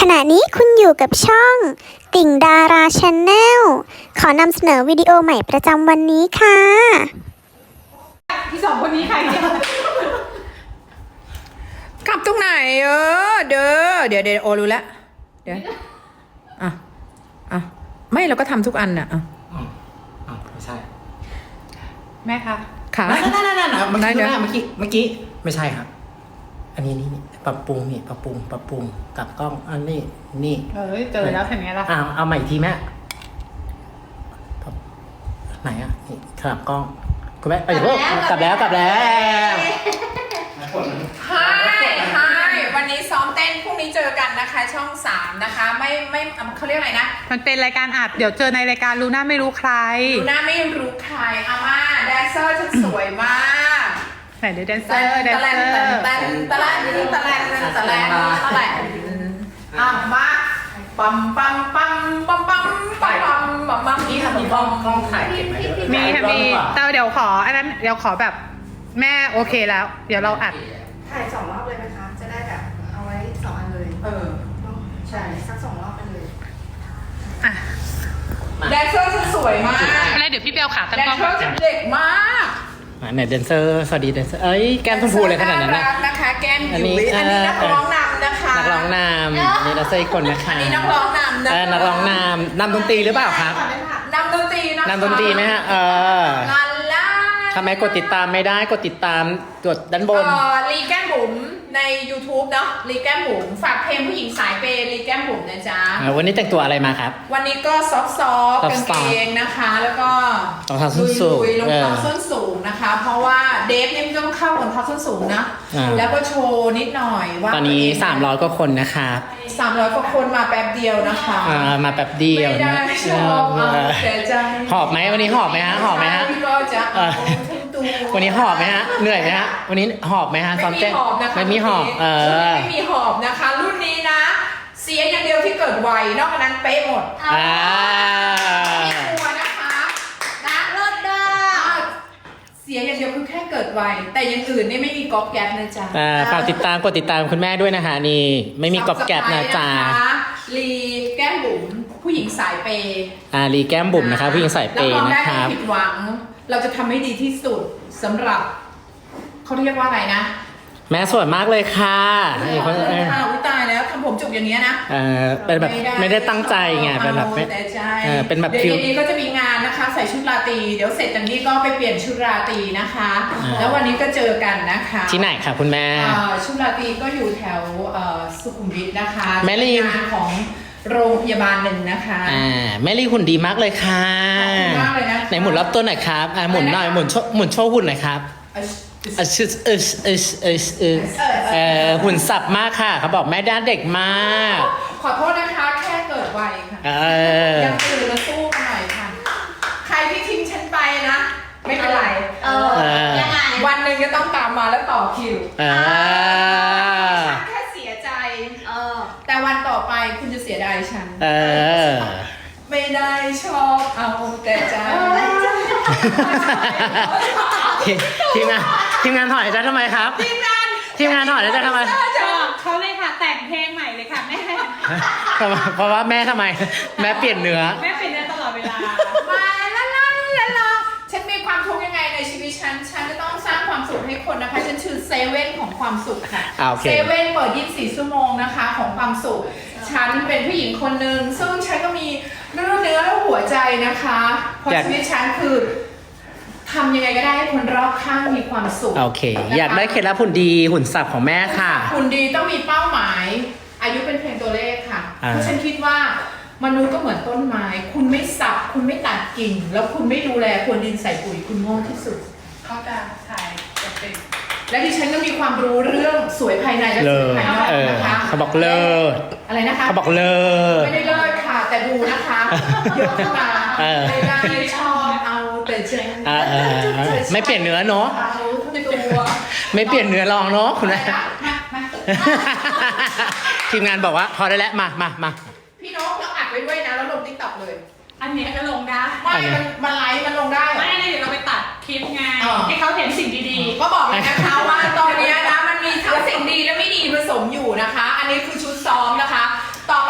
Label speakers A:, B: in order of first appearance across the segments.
A: ณะนี้คุณอยู่กับช่องติ่งดาราชาแนลขอนำเสนอวิดีโอใหม่ประจำวันนี้ค่ะ
B: ที่สองคนนี้ใครเนี่ยกลับตรงไหนเดี๋ยวโอรู้แล้วเดี๋ยวอ่ะไม่เราก็ทำทุกอันน่ะ
C: ไม่ใช่
B: แม่คะค่ะ
C: นั่นเมื่อ
B: ได้
C: กี้
B: เดี๋ยว
C: เมื่อกี้ไม่ใช่ครับ อันนี้ปรับปรุงปรับปรุงกลับกล้องอันนี้
B: เจอแล้วเห็นไงล่ะ
C: เอาใหม่อีกทีแม่ไหนอ่ะนี่กลับกล้องคุณแม่กลับแล้ว
B: ฮายวันนี้ซ้อมเต้นพรุ่งนี้เจอกันนะคะช่อง3นะคะไม่เขาเรียกอะไรนะ
D: มันเป็นรายการอัดเดี๋ยวเจอในรายการรู้หน้าไม่รู้ใคร
B: ดูหน้าไม่รู้ใครอาม่าแดนเซอร์ฉันสวยมาก
D: ไหนเดี๋ยวแดนเซอร์
B: ตะแลนมาปั๊ม
C: นี่ทำมีกล้องถ่ายเก็บไหม
D: มีค่ะมีแต่เดี๋ยวขออันนั้นเดี๋ยวขอแบบแม่โอเคแล้ว เดี๋ยวเราอัด
E: ถ่าย2 รอบเลยไหมคะ จะได้แบบเอาไว้2 อันเลยเนาะใช่สัก2 รอบไปเลย
D: อ่ะ
B: แดนเซอร์ฉันสวยมาก
D: อะไรเดี๋ยวพี่เบลขาตั้ง
B: แดน
D: กล้อง
B: เซอร์ฉันเด็กมาก
C: ไหนแดนเซอร์สวัสดีแดนเซอร์แก้มชมพูเลยขนาดนั้นนะ
B: นะคะแก้ม
C: อัน
B: ยุ้
C: นี้
B: ยอันนี้นักร้องนำนะคะ
C: นักร้องนำนี่แดนเซอร์อีกคนนะคะ
B: อันนี้นักร้องนำนะคะ
C: นักร้องนำดนตรีหรือเปล่าครับ
B: นำดนตรีนะคะ
C: นำดนตรีไหมฮะ
B: ลาล่า
C: ทำไมกดติดตามไม่ได้กดติดตามกดด้านบน
B: ลีแก้มบุ๋มใน YouTube เนาะลีแก้มบุ๋มฝากเพลงผู้หญิงสายเปย์ลีแก้มบุ๋มนะจ๊ะ
C: วันนี้แต่งตัวอะไรมาครับ
B: วันนี้ก็ซอฟต์กางเกงนะคะ แล้วก็
C: รองเท้าส้นสูง
B: รองเท้าส้นสูงนะคะ เพราะว่าเดฟเนี่ยมันต้องเข้ารองเท้าส้นสูงนะ แล้วก็โชว์นิดหน่อยว่า
C: ตอนนี้300กว่าคนนะครับ
B: 300 กว่าคนมาแป๊บเดียวนะคะ
C: มาแป๊บเดียว
B: ไม่ได้
C: นะ
B: ชอบเสียใจ
C: หอบไหมวันนี้หอบไหมฮะหอบไหมฮะ
B: ก็จะเอาทั้งตัว
C: วันนี้หอบไหมฮะเหนื่อยไหมฮะวันนี้หอบไหมฮะซ้อม
B: ไม่
C: เต้
B: มี
C: น
B: หอบนะคะ
C: ไม่มีหอบ
B: รุ่นนี้ไม่มีหอบนะคะ รุ่นนี้นะ เสียอย่างเดียวที่เกิดไวนอกจากนั้นเป๊ะหมด
C: อ่า
B: ไม่กลัวนะคะนะเลิศด้าเสียอย่างเดียวคือแค่เกิดไวแต่อย่างอื่นนี่ไม่มีก๊อปแก๊ปนะจ๊ะ
C: ฝากกดติดตามคุณแม่ด้วยนะคะนี่ไม่มีกรอบแกรบนะจ๊ะ
B: ลีแก้มบุ๋มผู้หญิงสายเปย์
C: รีแก้มบุ๋มนะคะผู้หญิงใส่เปย์
B: รับรอง
C: นะ
B: ได้
C: ค
B: ไม่
C: รับ
B: ผิดหวัง เราจะทำให้ดีที่สุดสำหรับเขาเรียกว่าอะไรนะ
C: แม่สวยมากเลยค่ะนี่คน
B: อุ๊ยตายแล้วทำผมจุกอย่างเงี้ยนะ
C: เป็นแบบไม่ได้ตั้งใจไงเป็นแบบ
B: แต่ใจ
C: เป็นแบบ
B: เดี๋
C: คิ
B: ยว วนี้ก็จะมีงานนะคะ ใส่ชุดราตรีเดี๋ยวเสร็จจากนี้ก็ไปเปลี่ยนชุดราตรีนะคะ แล้ววันนี้ก็เจอกันนะคะ
C: ที่ไหนคะคุณแม่
B: ชุดราตรีก็อยู่แถวสุขุมวิทนะคะ
C: แม่ลี
B: งานของโรงพยาบาลหนึ่งนะคะ
C: แม่ลีหุ่นดีมากเลยค่ะ
B: ขอบคุณมากเลยนะคะ
C: ไหนหมุนรอบตัวหน่อยครับหมุนหน่อยหมุนโชว์หุ่นหน่อยครับหุ่นสับมากค่ะเขาบอกแม่ด้านเด็กมาก
B: ขอโทษนะคะแค่เกิดไวค่ะ ยังตื่นมาสู้กันหน่อยค่ะ ใครที่ทิ้งฉันไปนะ ไม่เป็นไร
E: ยังไง
B: วันหนึ่งจะต้องตามมาแล้วต่อคิว ฉันแค่เสียใจ แต่วันต่อไปคุณจะเสียดายฉัน ไม่ได้ชอบเอาแต่ใจ
C: ทีมงานถอยใจทำไมครับ ทีมงานถอยใจทำไม
D: เขาเลยค่ะแต่งเพลงใหม่เลยค่ะแม่
C: เพราะว่าแม่ทำไม แม่เปลี่ยนเนื้อ
D: แม่เป็นได้ตลอดเวลา
B: มาละฉันมีความทุกข์ยังไงในชีวิตฉันจะต้องสร้างความสุขให้คนนะคะ ฉันชื่อเซเว่นของความสุขค่ะ
C: โอเค
B: เซเว่นเปิด 24 ชั่วโมงนะคะของความสุข ฉันเป็นผู้หญิงคนหนึ่งซึ่งฉันก็มีเนื้อและหัวใจนะคะ เพราะชีวิตฉันคือทำยังไงก็ได้ให้คนรอบข้างมีความสุข
C: โอเค อยากได้เคล็ดลับหุ่นดีหุ่นสับของแม่ค่ะ
B: หุ่นดีต้องมีเป้าหมาย อายุเป็นเพียงตัวเลขค่ะ เพราะฉันคิดว่ามนุษย์ก็เหมือนต้นไม้ คุณไม่สับ คุณไม่ตัดกิ่ง แล้วคุณไม่ดูแลควรดินใส่ปุ๋ยคุณโง่ที่สุด
D: เขาจะถ่ายจะเป็น
B: และดิฉันก็มีความรู้เรื่องสวยภายในและสวยภายนอกนะคะ
C: เขาบอกเลิศ
B: อะไรนะคะ
C: เขาบอกเลิศ
B: ไม่ได้เลิศค่ะ แต่ดูนะคะเยอะขึ้นมาไม่ได้ชอบเอาแต่ใจ
C: ไม่เปลี่ยนเนื้อเนาะ
B: เอาทั้งตัว
C: ไม่เปลี่ยนเนื้อลองเนาะคุณแม่ ทีมงานบอกว่าพอได้แล้วมา
B: พี่น้องเราอัดไว้ด้วยนะแล้วลงติ๊กต็อกเลย
D: อันนี้ก็ลงได้
B: ไม่มันไลฟ์มันลงได้เหรอ
D: ไม่เดี๋ยวเราไปตัดคลิปไง
B: อ๋อ
D: ให้เขาเห็นสิ่งดี
B: ก็บอกเลยนะคะว่าตอนนี้นะมันมีทั้งสิ่งดีและไม่ดีผสมอยู่นะคะ อันนี้คือชุดซ้อมนะคะ ต่อ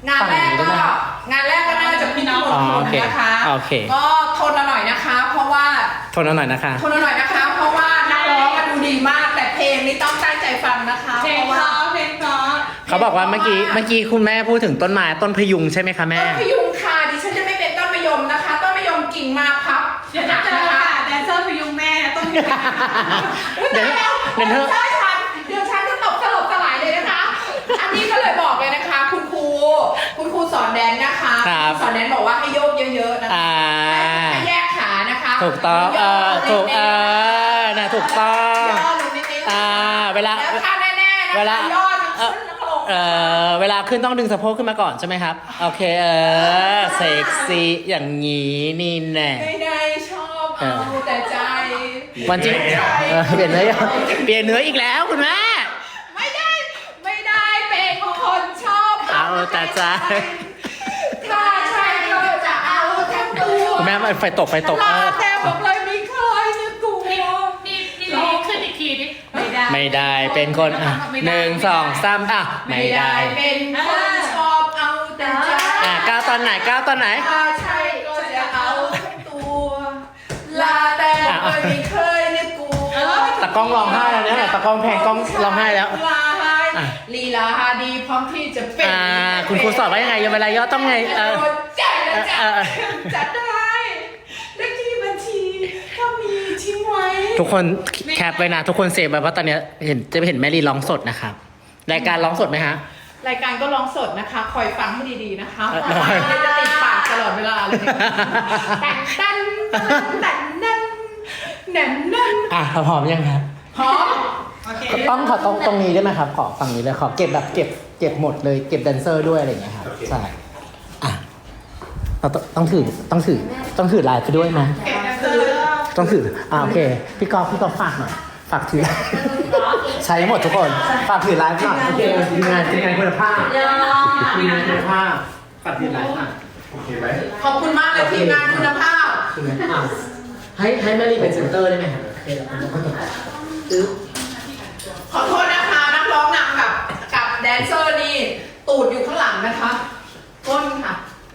B: งานแรกก็น่าจะพี่น้อง
C: อ๋อโอเค
B: นะคะ
C: โอเค
B: ก็ทนหน่อยนะคะ เพราะว่า
C: ทนเอาหน่อยนะคะ
B: ทนหน่อยนะคะ เพราะว่านักร้องดูดีมากแต่เพลงนี้ต้องตั้งใจฟังนะคะ
D: เพลงเพราะเพลงเพราะ
C: เขาบอกว่าเมื่อกี้คุณแม่พูดถึงต้นไม้ต้นพยุงใช่ไหมคะแม่
B: ต้นพยุงค่ะดิฉันจะไม่เป็นต้นมะยมนะคะ ต้นมะยมกิ่งมาพับ
D: เดี๋ยวจะเจอค่ะแดนเซอร์พยุงแม่ต้องมี
C: เดี๋ยวเดี๋ยวเธอ
B: เดี๋ยวฉันจะตกสลบสลายเลยนะคะ อันนี้ก็เลยบอกเลยนะคะ คุณครูสอนแดนนะคะ
C: ครับ
B: สอนแดนบอกว่าให้โยกเยอะๆนะคะ ให้แยกขานะคะ
C: ถูกต้องถูกนะถูกต้อง
B: ย่อลงนิดๆ
C: เวลา
B: แล้วท่าแน่ๆนะคะ
C: เวลา
B: ย่อทั้งขึ้นทั้งลง
C: เวลาขึ้นต้องดึงสะโพกขึ้นมาก่อนใช่ไหมครับ โอเคเซ็กซี่อย่างนี้นี่แน่
B: ไม่ได้ชอบเอาแต่ใจ
C: วันจริงเปลี่ยนเนื้ออีกแล้วคุณแม่
B: ไม่ได้เป็นคนชอบ
C: เอาแต่ใจ
B: ถ้าใช่ก็จะเอาทั้งตัว
C: คุณแม่ไฟตก
B: ลาแต่ผมเลยไม่เคยจะกลัว
D: นี่ขึ้นอีกทีดิไม่ได้
C: ไม่ได้เป็นคนหนึ่งสองสามไม่ได้
B: เป็นคนชอบเอาแต่ใจ
C: ก้าวตอนไหน
B: ถ้าใช่ก็จะเอาทั้งตัวลาแต่เลยไม่เคยจะกลัว
C: ตะกล้องร้องไห้แล้วเนี่ยตะกล้องแพงกล้องร้องไห้แล้ว
B: ลีลาดีพร้อมที่จะเป็น
C: คุณครูสอนว่ายังไงเวลาย่อต้องไง
B: ใจจัดได้เลขที่บัญชีก็มีทิ้งไว้
C: ทุกคนแคปไว้นะทุกคนเซฟไว้เพราะตอนนี้จะเห็นแม่ลีร้องสดนะครับรายการร้องสดไหมฮะ
B: รายการก็ร้องสดนะคะ คอยฟังให้ดีๆนะคะ
C: ได้
B: จะติดปากตลอดเวลาเลยแต่นนั่น
C: พร้อมยังครับ
B: พร้อม
D: โอเค
C: ต้องขอตรงนี้ได้ไหมครับขอฝั่งนี้เลยขอเก็บแบบเก็บหมดเลยเก็บแดนเซอร์ด้วยอะไรอย่างเงี้ยครับใช่เราต้องถือลายไปด้วยไหม
B: เก็บแดนเซอร์
C: ต้องถือโอเคพี่กอล์ฟฝากหน่อยฝากถือใช้หมดทุกคนฝากถือไลฟ์หน่อยโอเคทีมงานคุณภาพทีมงานคุณภาพฝากถือไลฟ์หน่อยโอเคไหม
B: ขอบคุณมากเลยทีมงานคุณภาพ
C: ให้แม่ลีเป็นเซนเตอร์ได้ไหมครับโอเคแล้ว
B: ขอโทษนะคะนักร้องนำกับแดนเซอร์นี่ตูดอยู่ข้างหลังนะคะก้นค่ะ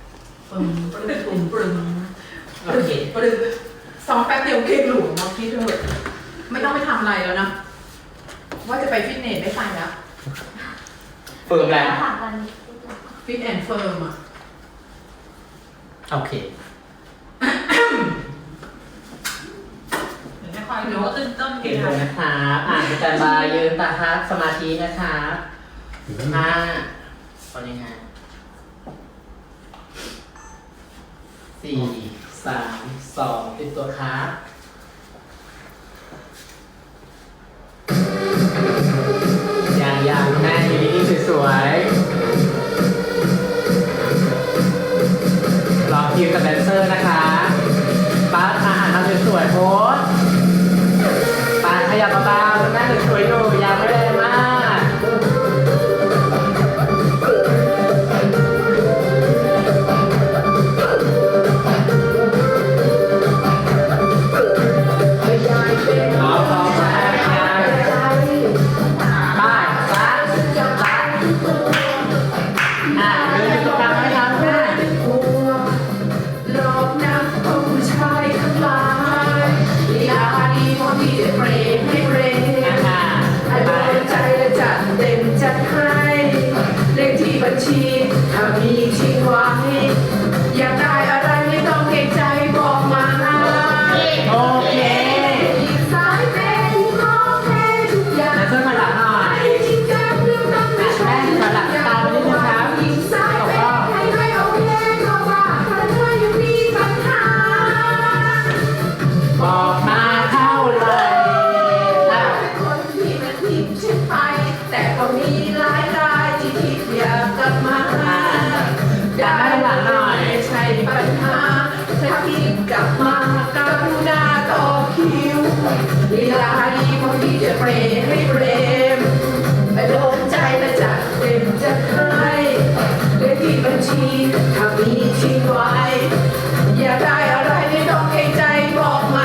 B: ปรึงซ้อมแป๊บเดียวเก่งหลวงมาพี่เถอะไม่ต้องไปทำอะไรแล้วนะว่าจะไปฟิตเนสไม่ไปแล้ว
C: เฟิร์มแล้ว
B: ฟิตแอนด์เฟิร์มอ่ะ
C: โอเค
D: ไม่ค่อยรู้ว่าตื่นต้น
C: เก่งเลยนะครับอาจารย์บายืนตาฮักสมาธินะครับตอนนี้ฮะ4 3 2ติดตัวครับอย่างแม่อยู่นี่สวยๆรอคิวกับแดนเซอร์นะคะป้าอาหารทำสวยๆโพสป้าขยับเบาๆแม่สวยๆอยู่อย่าไม่แรงมาก
B: บัญชีถ้ามีทิ้งไว้อยากได้อะไรไม่ต้องเกรงใจบอกมา
C: โอเค
B: อีกสายเป็นของแท้ทุกอย่าง
C: เพื่อนมาหลังหน่อย
B: จริงจังเรื่องนั้นไม่ใช่
C: มาหลังตาไปนิดนึงครับ
B: อีกสายเป็นให้ไม่เอาแน่เพราะว่าเธอยังมีปัญหา
C: บอกมาเท่าไหร่
B: เป็นคนที่มันทิ้งฉันไปแต่ก็มีหลายรายที่คิดอยากกลับมาได้ไม่ใช่ปัญหาถ้าคิดกลับมากรุณาต่อคิวเวลาดีพอที่จะเปรให้เปรมโดนใจและจัดเต็มจะให้เลขที่บัญชีถ้ามีทิ้งไว้อยากได้อะไรไม่ต้องเกรงใจบอกมา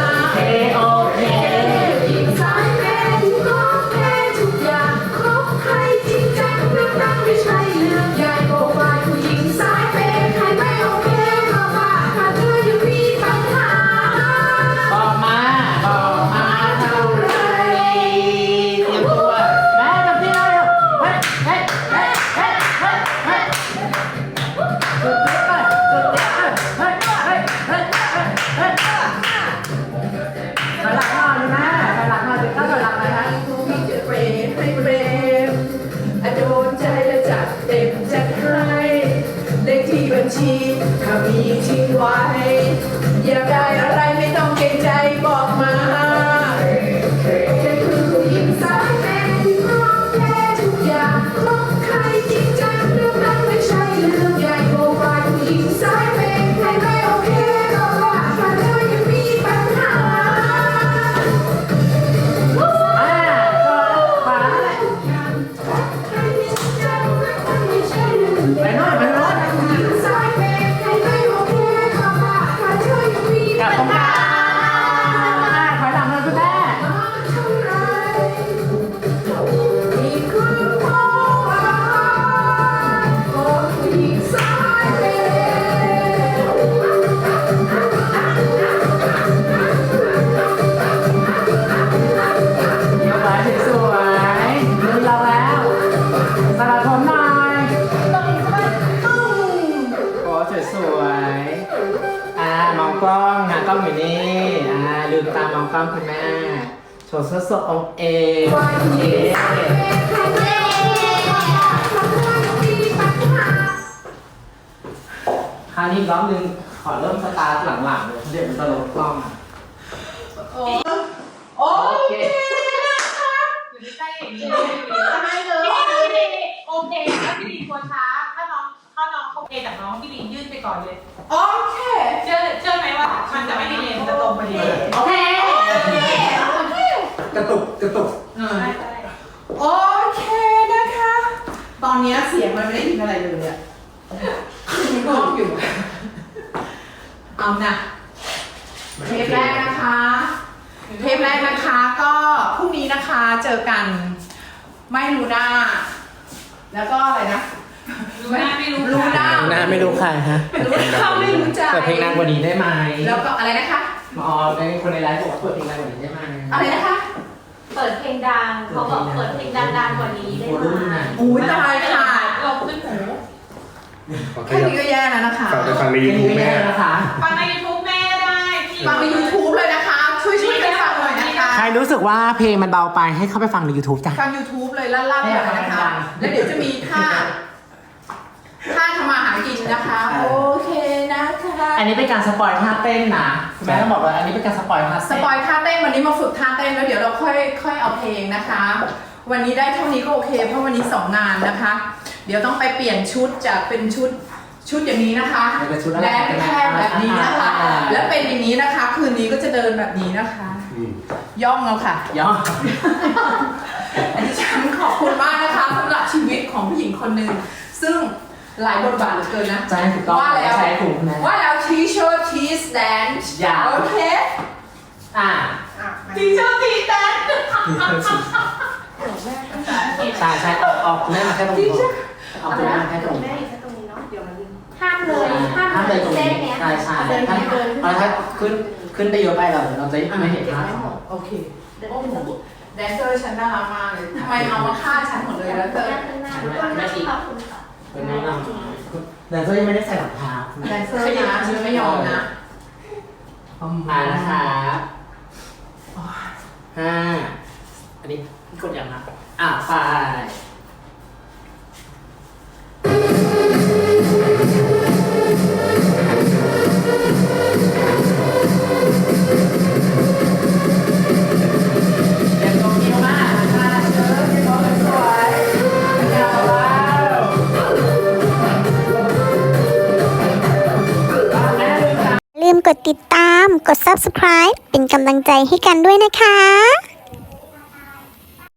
C: โอเค
B: อีกสายเป็นของแท้ทุกอย่างครบครัเต็มจะให้เลขที่บัญชีถ้ามีทิ้งไว้อยากได้อะไรไม่ต้องเกรงใจบอกมาเธอคือผู้หญิงสายแมนที่พร้อมแพ้ทุกอย่างคบใครจริงจังเรื่องนั้นไม่ใช่เรื่องใหญ่โปรไฟล์ผู้หญิงสายแมนใครไม่โอเคก็ว่าถ้าเธอยังมีปัญหา
C: ไปโน่นไปโน่นกลับตรงกลางถอยหลังเลยคุณแม่ เดี๋ยวไปสวยๆมือเราแล้วสลัดผมหน่อยโอ้สวยๆมองกล้องนะกล้องอยู่นี่ลืมตามองกล้องคุณแม่โชว์สดๆองเอคราวนี้อีกรอบนึงขอเริ่มสตาร์ทหลังๆเลยเดี๋ยวมันจะลดกล้อง
B: โอเค
D: อยู่ใกล้ๆอย่างนี้ทำไมเลยโอเคแล้วพี่ลีนควรช้าถ้าน้องเขาเอจากน้องพี่ลีนยื่นไปก่อนเลย
B: โอเค
D: เชื่อไหมว่ามันจะไม่ดีเลยมันจะตรงพอดี
C: โอเคกระตุก
B: โอเคนะคะ ตอนนี้เสียงมันไม่ได้ยินอะไรเลยอ่ะมีกล้องอยู่ เอานะเทปแรกนะคะ ก็พรุ่งนี้นะคะเจอกันไม่รู้หน้า แล้วก็อะไรนะ
D: รู้หน้าไม่รู้
B: รู้หน้า
C: หน้าไม่รู้ใครฮะ
B: รู้หน้าไม่รู้ใจ
C: เปิดเพลงนานกว่านี้ได้ไหม
B: แล้วก็อะไรนะคะ
C: ในคนในไลฟ์บอกว่าเปิดเพลงนานกว่านี้ได้ไหม
B: อะไรนะคะ
F: เปิดเพลงดังเขาบอกเปิดเพลงดังๆกว่านี้ได้ไหม
B: อุ้ยตายค่ะ
D: เราขึ้นหู
B: แค่นี้ก็แย่แล้วนะคะ
G: ฝากไปฟังใน
C: เพล
G: ยู
C: ง
G: ทูบ
C: นี้
G: แม่
C: ได้นะคะ
D: ฟังใน YouTube แม่ได้พี่
B: ฟังใน YouTube เลยนะคะ ช่วยกันฟังหน่อยนะคะ
C: ใครรู้สึกว่าเพลงมันเบาไปให้เข้าไปฟังใน YouTube จ้ะ
B: ฟัง YouTube เลยลั่นๆเลยนะคะ แล้วเดี๋ยวจะมีท่าทำมาหากินนะคะ โอเคนะคะ
C: อันนี้เป็นการสปอยท่าเต้นนะคุณแม่ต้องบอกว่าอันนี้เป็นการสปอยท่า
B: ส
C: เต้น
B: ปอยท่าเต้นวันนี้มาฝึกท่าเต้นแล้วเดี๋ยวเราค่อยเอาเพลงนะคะ วันนี้ได้เท่านี้ก็โอเค เพราะวันนี้2งานนะคะ เดี๋ยวต้องไปเปลี่ยนชุดจากเป็นชุดอย่างนี้นะคะแดนแค่แบบนี้นะคะ แล้วเป็นอย่างนี้นะคะ คืนนี้ก็จะเดินแบบนี้นะคะ ย่องเอาค่ะ
C: ย่อ
B: อันนี้ฉันขอบคุณมากนะคะสำหรับชีวิตของผู้หญิงคนหนึ่งซึ่งหลายบทบาทเหลือเกินนะ
C: ใช่ถูกต้อง
B: ว่าแล้ว
C: ใช้ถูกนะ
B: ว่าแล้ว teacher teach dance
C: อย่า
B: โอเค teacher teach dance
C: ใช่ออกแม่มาแค่ตรงนี้เอาคุณแม่มาแค่ตรงนี้
E: แม่อยู่แค่ตรงนี้เนาะ เดี๋ยวมันลืม
F: ห้ามเลยห้าม
C: เลยตรง
F: เส้
C: นี้
F: นเนี้ย
C: ใช่ใช่
F: เดิน
C: ถ้า
F: เดิน
C: ถ้าขึ้นไปเยอะไปเราจะไม่เห็นภาพ
B: โอเคโอ้โหแดนเซอร์ฉันน่ารักมากเลยทำไมเอามาฆ่าฉันหมดเลยแล้วเธอ
F: ขอบคุณค่ะ
C: เป็นแนะนำแต่ก็ยังไม่ได้ใส่รองเท้า
B: แดนเซอร์นะฉันไม่ยอมนะ
C: มานะคะอันนี้กดยังนะไป
A: ลืมกดติดตาม กด subscribe เป็นกำลังใจให้กันด้วยนะคะ